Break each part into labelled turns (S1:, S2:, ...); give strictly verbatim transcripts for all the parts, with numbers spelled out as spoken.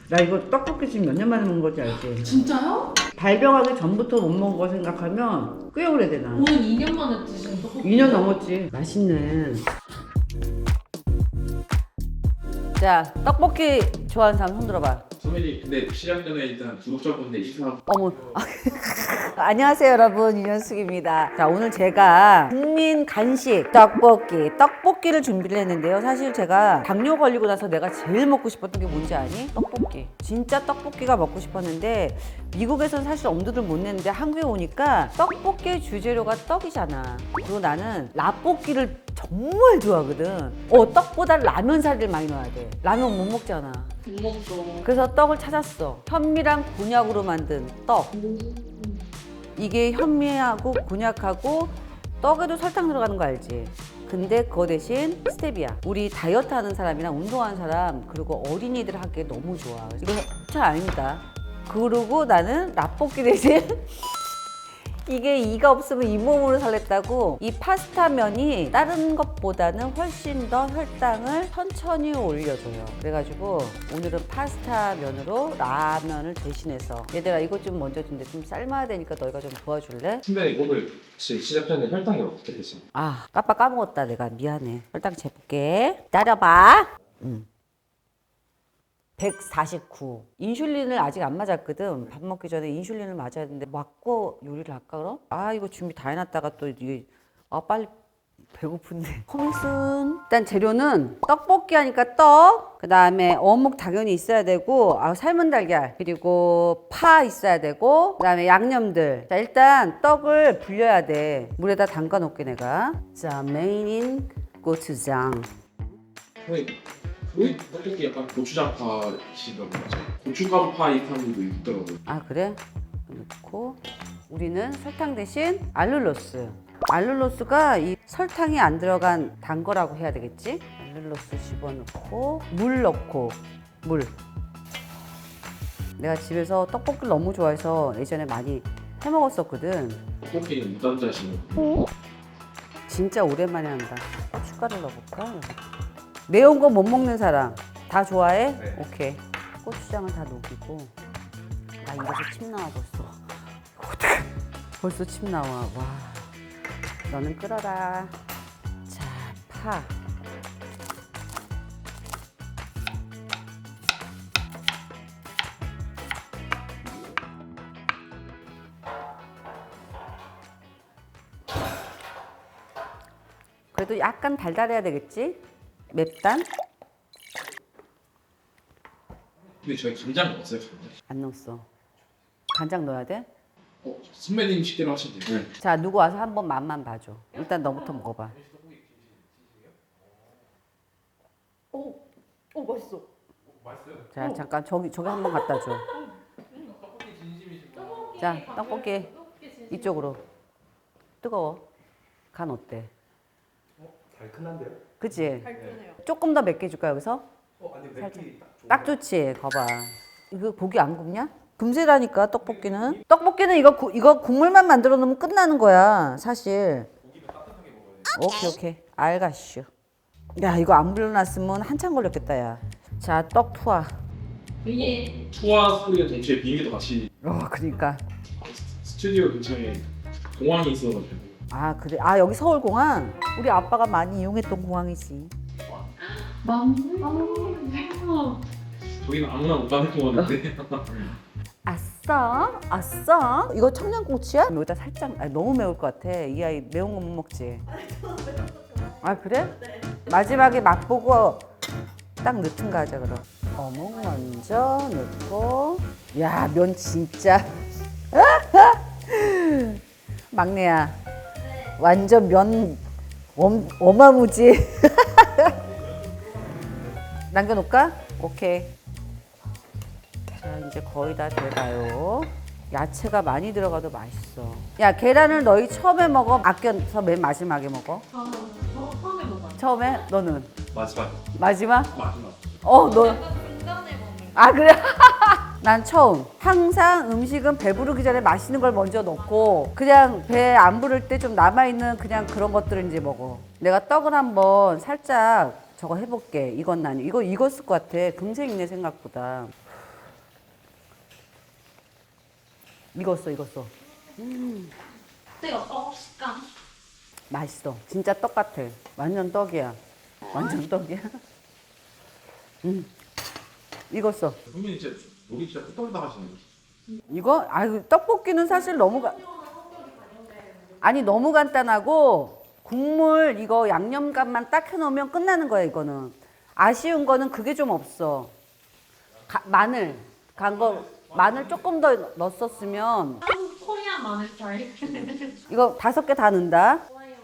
S1: 나 이거 떡볶이 지금 몇 년 만에 먹은 거지 알지?
S2: 진짜요?
S1: 발병하기 전부터 못 먹은 거 생각하면 꽤 오래되나?
S2: 오늘 이 년 만에 드시는 떡볶이.
S1: 이 년 넘었지. 맛있네. 자, 떡볶이 좋아하는 사람 손 들어봐.
S3: 선배님 근데 시작 전에 일단 구독자분들 인사.
S1: 어머. 안녕하세요 여러분, 윤현숙입니다. 자, 오늘 제가 국민 간식 떡볶이 떡볶이를 준비를 했는데요. 사실 제가 당뇨 걸리고 나서 내가 제일 먹고 싶었던 게 뭔지 아니? 떡볶이. 진짜 떡볶이가 먹고 싶었는데 미국에서는 사실 엄두를 못 냈는데 한국에 오니까 떡볶이의 주재료가 떡이잖아. 그리고 나는 라볶이를 정말 좋아하거든. 어, 떡보다 라면 사리를 많이 넣어야 돼. 라면 못 먹잖아.
S2: 못 먹죠.
S1: 그래서 떡을 찾았어. 현미랑 곤약으로 만든 떡. 이게 현미하고 곤약하고 떡에도 설탕 들어가는 거 알지? 근데 그거 대신 스테비아. 우리 다이어트 하는 사람이랑 운동하는 사람 그리고 어린이들 하기에 너무 좋아. 이거 잘 아닙니다. 그리고 나는 라볶이 대신 이게 이가 없으면 잇몸으로 살랬다고 이 파스타 면이 다른 것보다는 훨씬 더 혈당을 천천히 올려줘요. 그래가지고 오늘은 파스타 면으로 라면을 대신해서 얘들아 이것 좀 먼저 준대. 좀 삶아야 되니까 너희가 좀 도와줄래?
S3: 선배님 오늘 혹시 시작 전에 혈당이 어떻게 되세요?
S1: 아 깜빡 까먹었다. 내가 미안해. 혈당 재볼게. 기다려봐. 음. 백사십구. 인슐린을 아직 안 맞았거든. 밥 먹기 전에 인슐린을 맞아야 되는데 맞고 요리를 할까 그럼? 아 이거 준비 다 해놨다가 또 이게 아 빨리 배고픈데. 커밍순. 일단 재료는 떡볶이 하니까 떡, 그 다음에 어묵 당연히 있어야 되고 아, 삶은 달걀, 그리고 파 있어야 되고 그 다음에 양념들. 자 일단 떡을 불려야 돼. 물에다 담가 놓게 내가. 자 메인인 고추장.
S3: 선배님 그 떡볶이 약간 고추장파시더라고요. 고춧가루파 이 사람들도 있더라고요.
S1: 아 그래? 넣고 우리는 설탕 대신 알룰로스. 알룰로스가 이 설탕이 안 들어간 단 거라고 해야 되겠지? 알룰로스 집어넣고 물 넣고 물. 내가 집에서 떡볶이를 너무 좋아해서 예전에 많이 해 먹었었거든.
S3: 떡볶이는 무단자시는.
S1: 진짜 오랜만에 한다. 고춧가루 넣어볼까? 매운 거 못 먹는 사람 다 좋아해?
S3: 네.
S1: 오케이. 고추장을 다 녹이고. 나 입에서 침 나와 벌써. 어떡해. 벌써 침 나와. 와. 너는 끓어라. 자, 파. 그래도 약간 달달해야 되겠지? 맵단?
S3: 근데 저희 간장 넣었어요. 간장.
S1: 안 넣었어. 간장 넣어야 돼?
S3: 어 선배님 식대로 하시면 돼요. 네.
S1: 자, 누구 와서 한번 맛만 봐줘. 일단 너부터 먹어봐.
S2: 오, 오 맛있어.
S1: 자, 잠깐 저기 저기 한번 갖다 줘. 자, 떡볶이 이쪽으로. 뜨거워. 간 어때?
S4: 달큰한데요?
S1: 그치?
S2: 달큰해요.
S1: 조금 더 맵게 줄까 여기서?
S4: 어, 아니 맵기 딱 좋은
S1: 딱 좋지. 거봐. 이거 고기 안 굽냐? 금세라니까 떡볶이는. 떡볶이는 이거 구, 이거 국물만 만들어 놓으면 끝나는 거야 사실. 오케이 오케이. 알가슈. 야 이거 안 불려놨으면 한참 걸렸겠다 야. 자 떡 투하.
S2: 이게
S3: 투하 소리가 동시에 비행기도 같이
S1: 어 그러니까.
S3: 스튜디오 근처에 공항이 있어가지고.
S1: 아 그래. 아 여기 서울공항. 우리 아빠가 많이 이용했던 공항이지.
S2: 맞네. 아,
S3: 저기는 아무나 못 가는 공항인데.
S1: 아싸 아싸. 이거 청양고추야? 여기다 살짝. 아, 너무 매울 것 같아. 이 아이 매운 거 못 먹지. 아 그래? 네. 마지막에 맛보고 딱 넣든가 하자 그럼. 어묵 먼저 넣고. 야 면 진짜. 막내야. 완전 면 엄, 어마무지. 남겨놓을까? 오케이. 자 이제 거의 다 돼가요. 야채가 많이 들어가도 맛있어. 야 계란을 너희 처음에 먹어? 아껴서 맨 마지막에 먹어?
S2: 저는 저 처음에 먹어요.
S1: 처음에? 너는?
S3: 마지막.
S1: 마지막?
S3: 마지막.
S1: 어 너.
S2: 약간 중간에 먹는.
S1: 아 그래? 난 처음. 항상 음식은 배부르기 전에 맛있는 걸 먼저 넣고 그냥 배 안 부를 때 좀 남아있는 그냥 그런 것들을 이제 먹어. 내가 떡을 한번 살짝 저거 해볼게. 이건 아니 이거 익었을 것 같아. 금세 익네 생각보다. 익었어, 익었어.
S2: 뜨거 떡 식감.
S1: 맛있어. 진짜 떡 같아. 완전 떡이야. 완전 떡이야. 음, 익었어.
S3: 선배님 진짜 요리 진짜 끝없다 하시네.
S1: 이거 아유 떡볶이는 사실 너무 가... 아니 너무 간단하고 국물 이거 양념간만 딱 해놓으면 끝나는 거야 이거는. 아쉬운 거는 그게 좀 없어. 가, 마늘 간 거 마늘 조금 더 넣었었으면
S2: 한국 코리안 마늘 스타일.
S1: 이거 다섯 개 다 넣는다.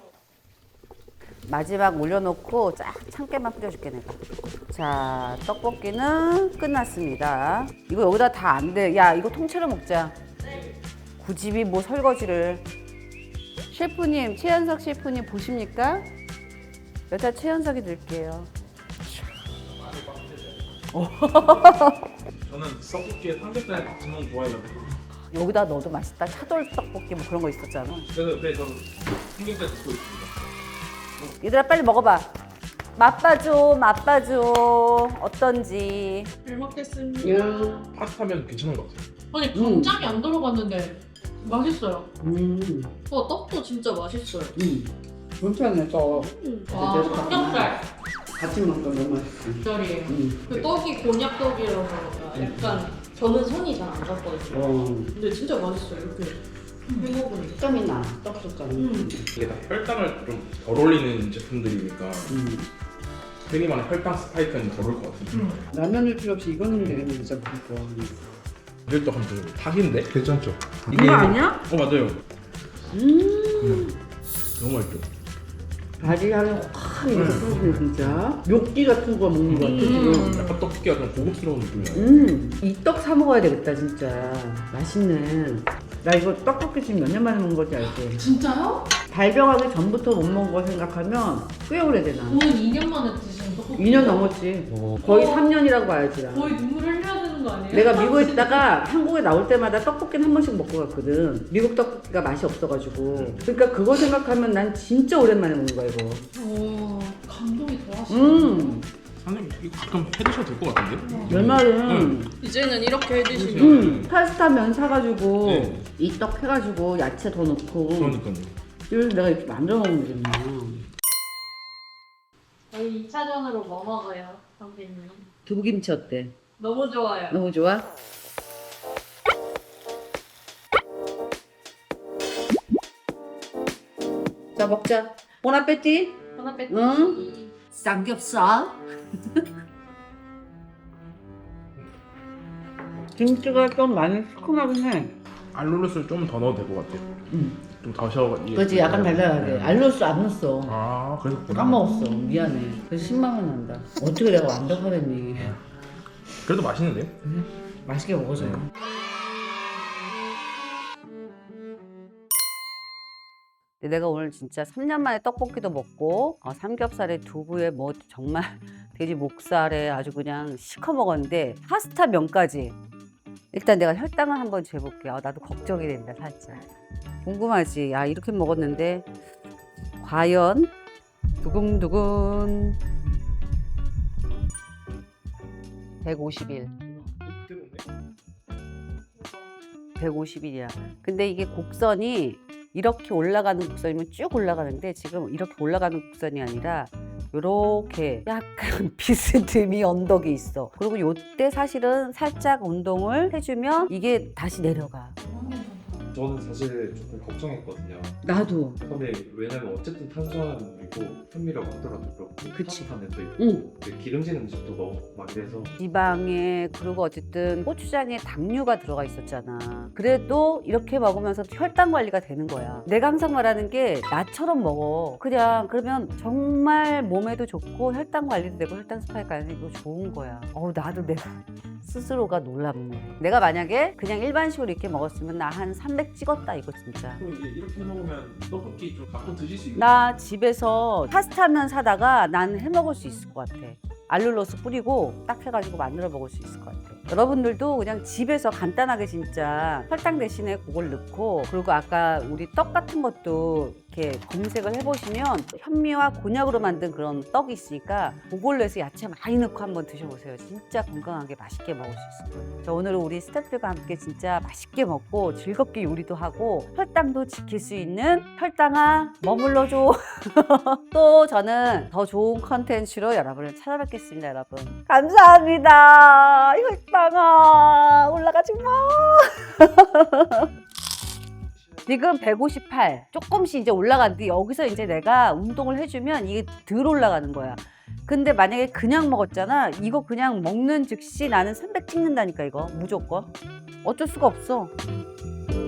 S1: 마지막 올려놓고 쫙 참깨만 뿌려줄게 내가. 자 떡볶이는 끝났습니다. 이거 여기다 다 안 돼. 야 이거 통째로 먹자. 굳이 뭐 설거지를. 셰프님 최현석 셰프님 보십니까? 여자 최현석이 드릴게요.
S3: 저는 떡볶이에 삼겹살 같이 먹는 거 좋아해가지고.
S1: 여기다 넣어도 맛있다. 차돌 떡볶이 뭐 그런 거 있었잖아.
S3: 그래서 그래서 저는 삼겹살 듣고 있습니다.
S1: 얘들아 빨리 먹어봐. 맛봐줘 맛봐줘 어떤지.
S2: 잘 먹겠습니다.
S3: 파스타면 괜찮은 것 같아요.
S2: 아니 간장이 안 들어갔는데 맛있어요.
S1: 음,
S2: 어 떡도 진짜 맛있어요.
S1: 음. 괜찮네 떡.
S2: 음. 와 삼겹살
S1: 같이 먹으면 너무 맛있어.
S2: 절이에요.
S1: 음.
S2: 그 떡이 곤약떡이라서 약간 저는 손이 잘 안 갔거든요.
S1: 어,
S2: 근데 진짜 맛있어요. 이렇게 해먹으니까.
S1: 식감이 나. 떡 식감이.
S2: 음.
S3: 이게 다 혈당을 좀 덜 올리는 제품들이니까
S1: 음.
S3: 흔히 말하는 혈당 스파이크는 덜 올 것 같은데.
S2: 음.
S1: 라면을 필요 없이 이거 넣으면 되겠네 진짜 그거.
S3: 이걸 또 한번 닭인데? 괜찮죠?
S1: 이거 아니야?
S3: 어 맞아요.
S1: 음.
S3: 너무 맛있죠?
S1: 바지 향이 확 이렇게 퍼지네 진짜. 묘기 같은 거 먹는 거 같아 지금.
S2: 음.
S3: 약간 떡볶이가 좀 고급스러운 느낌이야.
S1: 음, 이 떡 사 먹어야 되겠다 진짜. 맛있네. 나 이거 떡볶이 지금 몇 년 만에 먹은 거지 알지?
S2: 진짜요?
S1: 발병하기 전부터 못 먹은 거 생각하면 꽤 오래되나.
S2: 오늘 이 년 만에 드시는 떡볶이.
S1: 이 년 넘었지.
S3: 어.
S1: 거의
S2: 어.
S1: 삼 년이라고 봐야지 나.
S2: 거의 눈물 흘려야 되는 거 아니에요?
S1: 내가 미국에 있다가 한국에 나올 때마다 떡볶이는 한 번씩 먹고 갔거든. 미국 떡볶이가 맛이 없어가지고. 그러니까 그거 생각하면 난 진짜 오랜만에 먹는 거야 이거.
S2: 오, 감동이 더 하시네.
S1: 음,
S3: 선생님 이거 가끔 해 드셔도 될 것 같은데?
S1: 내 말은
S2: 이제는 이렇게 해드시면.
S1: 음, 파스타 면 사가지고
S3: 네.
S1: 이 떡 해가지고 야채 더 넣고
S3: 그러니까요.
S1: 이걸 내가 이렇게 만들어 먹으면 되겠네.
S2: 저희 이 차전으로 뭐 먹어요, 선배님?
S1: 두부김치 어때?
S2: 너무 좋아요.
S1: 너무 좋아? 자 먹자. 보나페티?
S2: 하나 뺐.
S1: 응? 삼겹살? 김치가 좀 많이 시큼하긴 해.
S3: 알룰로스를 좀 더 넣어도 될 것 같아요.
S1: 응.
S3: 좀 더 셔.
S1: 그렇지 약간 달달하게.
S3: 네.
S1: 알로스 안 넣었어.
S3: 아 그래서
S1: 까먹었어. 미안해. 그래서 십만 원 난다. 어떻게 내가 완벽하랬니?
S3: 그래도 맛있는데요?
S1: 맛있게 먹어줘.
S3: 네.
S1: 내가 오늘 진짜 삼 년 만에 떡볶이도 먹고 어, 삼겹살에 두부에 뭐 정말 돼지 목살에 아주 그냥 시커 먹었는데 파스타 면까지. 일단 내가 혈당을 한번 재볼게. 아, 나도 걱정이 된다 살짝. 궁금하지? 야 이렇게 먹었는데 과연 두근두근 백오십일. 백오십일이야. 근데 이게 곡선이 이렇게 올라가는 곡선이면 쭉 올라가는데 지금 이렇게 올라가는 곡선이 아니라 요렇게 약간 비스듬히 언덕이 있어. 그리고 요때 사실은 살짝 운동을 해주면 이게 다시 내려가.
S4: 저는 사실 조금 걱정했거든요.
S1: 나도.
S4: 근데 왜냐면 어쨌든 탄수화물이고 현미라고 하더라도 그렇고
S1: 그치.
S4: 파스타면도 있고
S1: 응.
S4: 근데 기름진 음식도 너무 많이 돼서
S1: 지방에 그리고 어쨌든 고추장에 당류가 들어가 있었잖아. 그래도 이렇게 먹으면서 혈당 관리가 되는 거야. 내가 항상 말하는 게 나처럼 먹어. 그냥 그러면 정말 몸에도 좋고 혈당 관리도 되고 혈당 스파이크 안 되고 좋은 거야. 어우 나도 내가 스스로가 놀랍네. 내가 만약에 그냥 일반식으로 이렇게 먹었으면 나 한 삼백 찍었다 이거 진짜.
S3: 그럼 이제 이렇게 먹으면 떡볶이 좀 가끔 드실 수 있는.
S1: 나 집에서 파스타면 사다가 난 해먹을 수 있을 것 같아. 알룰로스 뿌리고 딱 해가지고 만들어 먹을 수 있을 것 같아. 여러분들도 그냥 집에서 간단하게 진짜 설탕 대신에 그걸 넣고 그리고 아까 우리 떡 같은 것도 이렇게 검색을 해보시면 현미와 곤약으로 만든 그런 떡이 있으니까 그걸로 해서 야채 많이 넣고 한번 드셔보세요. 진짜 건강하게 맛있게 먹을 수 있을 거예요. 자, 오늘은 우리 스태프들과 함께 진짜 맛있게 먹고 즐겁게 요리도 하고 혈당도 지킬 수 있는 혈당아 머물러줘. 또 저는 더 좋은 컨텐츠로 여러분을 찾아뵙겠습니다. 여러분 감사합니다. 혈당아 올라가지 마. 지금 백오십팔 조금씩 이제 올라가는데 여기서 이제 내가 운동을 해주면 이게 덜 올라가는 거야. 근데 만약에 그냥 먹었잖아. 이거 그냥 먹는 즉시 나는 삼백 찍는다니까 이거 무조건. 어쩔 수가 없어.